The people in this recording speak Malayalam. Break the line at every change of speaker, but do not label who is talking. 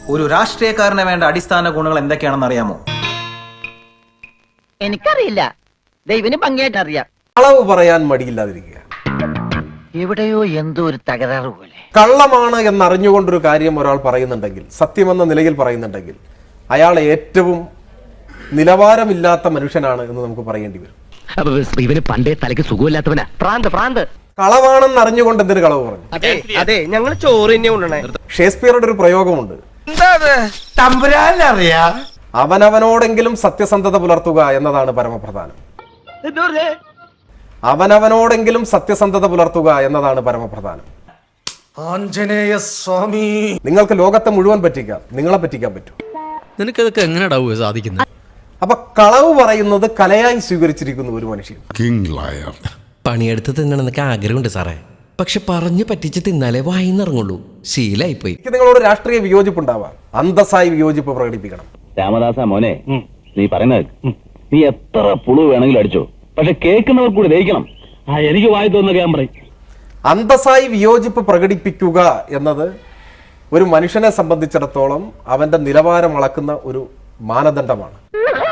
ഒരു രാഷ്ട്രീയക്കാരന് വേണ്ട അടിസ്ഥാന ഗുണങ്ങൾ എന്തൊക്കെയാണെന്ന് അറിയാമോ?
എനിക്കറിയില്ല, ദൈവന് ഭംഗിയായിട്ട് അറിയാം.
കളവ് പറയാൻ മടിയില്ലാതിരിക്കുക.
എവിടെയോ എന്തോ ഒരു തകരാറ് പോലെ.
കള്ളമാണ് എന്നറിഞ്ഞുകൊണ്ടൊരു കാര്യം ഒരാൾ പറയുന്നുണ്ടെങ്കിൽ, സത്യമെന്ന നിലയിൽ പറയുന്നുണ്ടെങ്കിൽ, അയാൾ ഏറ്റവും നിലവാരമില്ലാത്ത മനുഷ്യനാണ് എന്ന് നമുക്ക് പറയേണ്ടി വരും.
ഇവന് പണ്ടേ തലയ്ക്ക് സുഖമില്ലാത്തവനാ. പ്രാന്ത്
കളവാണെന്ന് അറിഞ്ഞുകൊണ്ട് എന്തിനു കളവ് പറഞ്ഞു?
അതെ, ഞങ്ങൾ ചോറ് തന്നെ കൊണ്ടുവന്നേ.
ഷേക്സ്പിയറുടെ ഒരു പ്രയോഗമുണ്ട്, അവനവനോടെങ്കിലും സത്യസന്ധത പുലർത്തുക എന്നതാണ് പരമപ്രധാനം. അവനവനോടെങ്കിലും സത്യസന്ധത പുലർത്തുക എന്നതാണ് പരമപ്രധാനം.
ആഞ്ജനേയ സ്വാമി,
നിങ്ങൾക്ക് ലോകത്തെ മുഴുവൻ പറ്റിക്കാം, നിങ്ങളെ പറ്റിക്കാൻ പറ്റും.
നിനക്കതൊക്കെ എങ്ങനെയാ സാധിക്കുന്നത്?
അപ്പൊ കളവ് പറയുന്നത് കലയായി സ്വീകരിച്ചിരിക്കുന്നു ഒരു മനുഷ്യൻ.
പണിയെടുത്ത് തിന്നണമെന്നൊക്കെ ആഗ്രഹമുണ്ട് സാറേ, പക്ഷെ പറഞ്ഞു പറ്റിച്ച് തിന്നാലേ വായിന്നിറങ്ങുള്ളൂ. ശീലായിപ്പോയി.
എനിക്ക് നിങ്ങളോട് രാഷ്ട്രീയ വിയോജിപ്പുണ്ടാവാം, അന്തസ്സായി വിയോജിപ്പ് പ്രകടിപ്പിക്കണം.
രാമദാസ മോനെ, നീ പറയുന്നത് നീ എത്ര പുളു വേണമെങ്കിലും അടിച്ചോ, പക്ഷെ കേൾക്കുന്നവർ കൂടി ദഹിക്കണം. എനിക്ക് വായി തോന്നുന്ന ഞാൻ പറയും.
അന്തസ്സായി വിയോജിപ്പ് പ്രകടിപ്പിക്കുക എന്നത് ഒരു മനുഷ്യനെ സംബന്ധിച്ചിടത്തോളം അവന്റെ നിലവാരം അളക്കുന്ന ഒരു മാനദണ്ഡമാണ്.